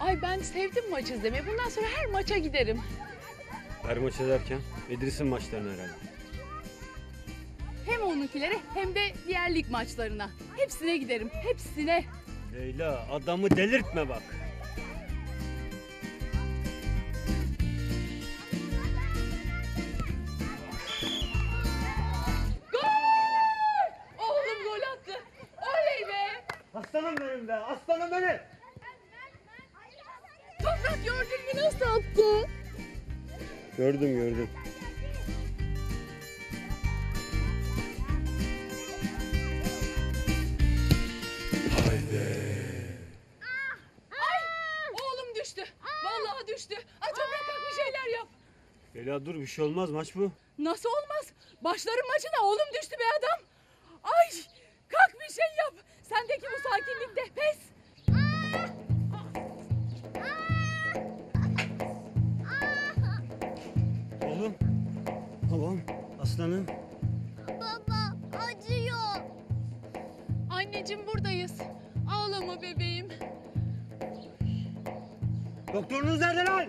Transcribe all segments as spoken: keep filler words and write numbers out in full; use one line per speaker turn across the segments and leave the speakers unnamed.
Ay ben sevdim maç izlemeyi. Bundan sonra her maça giderim.
Her maç ederken İdris'in maçlarına herhalde.
Hem onunkilere hem de diğer lig maçlarına. Hepsine giderim, hepsine.
Leyla adamı delirtme bak.
Gol! Oğlum gol attı. Oley be!
Aslanım benim be, aslanım benim.
Toprak gördün mü nasıl attı?
Gördüm gördüm.
Ay! Oğlum düştü. Vallahi düştü. Ay Toprak kalk bir şeyler yap.
Leyla dur bir şey olmaz, maç bu.
Nasıl olmaz? Başların maçına oğlum düştü be adam. Ay! Kalk bir şey yap. Sendeki bu sakinlikte pes.
Oğlum. Babam, aslanım.
Baba acıyor.
Anneciğim buradayız. Ağlama bebeğim.
Doktorunuz nerede lan?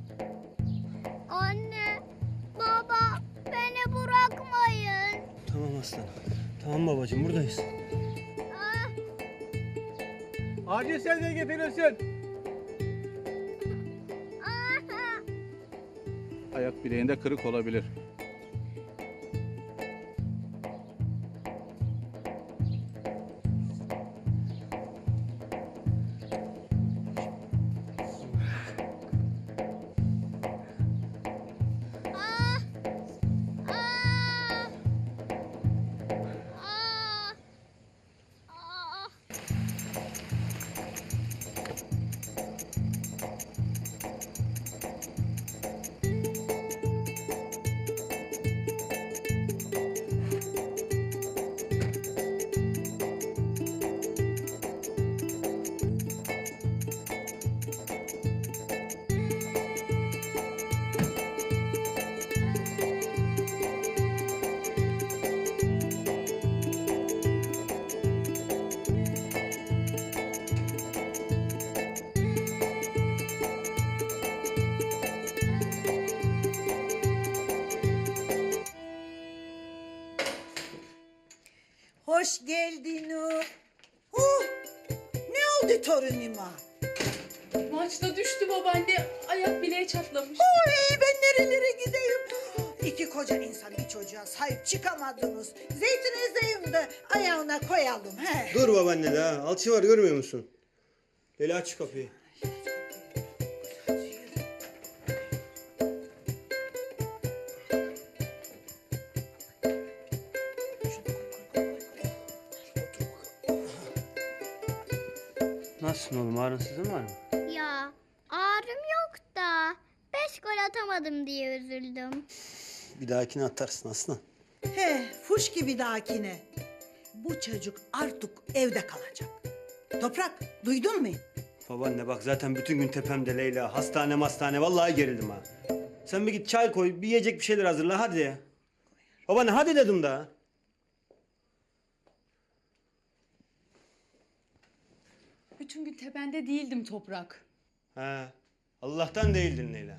Anne, baba beni bırakmayın.
Tamam aslanım. Tamam babacığım buradayız.
Ah,
Acil sevdiği getirirsin.
ah.
Ayak bileğinde kırık olabilir.
Ah, ah. Ah. Ah.
Hoş geldin o. Huh, ne oldu torunuma?
Maçta düştü babaanne. Ayak bileği çatlamış.
Oy, ben nerelere gideyim? İki koca insan bir çocuğa sahip çıkamadınız. Zeytin ezeyim de ayağına koyalım. He.
Dur babaanne de ha. Alçı var görmüyor musun? Leyla aç şu kapıyı. Nasılsın oğlum? Ağrınsızın var mı?
Ya ağrım yok da beş gol atamadım diye üzüldüm.
Bir dahakine atarsın aslan.
He, fuş gibi dahakine. Bu çocuk artık evde kalacak. Toprak, duydun mu?
Babaanne bak zaten bütün gün tepemde Leyla. Hastane hastane vallahi gerildim ha. Sen bir git çay koy, bir yiyecek bir şeyler hazırla hadi. Babaanne hadi dedim daha.
Bütün gün tepende değildim Toprak.
He. Allah'tan değildin Leyla.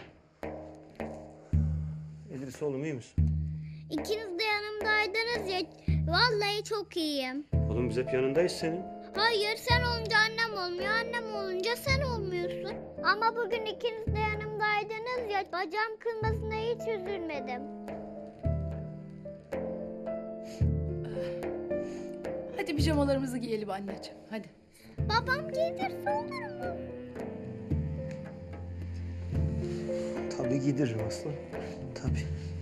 İdris oğlum iyi misin?
İkiniz de yanımdaydınız ya. Vallahi çok iyiyim.
Oğlum biz hep yanındayız senin.
Hayır, sen olunca annem olmuyor, annem olunca sen olmuyorsun. Ama bugün ikiniz de yanımdaydınız ya, bacağım kırılmasına hiç üzülmedim.
Hadi pijamalarımızı giyelim anneciğim. Hadi.
Babam giydirse olur mu?
Tabii giydiririm aslan. Tabii.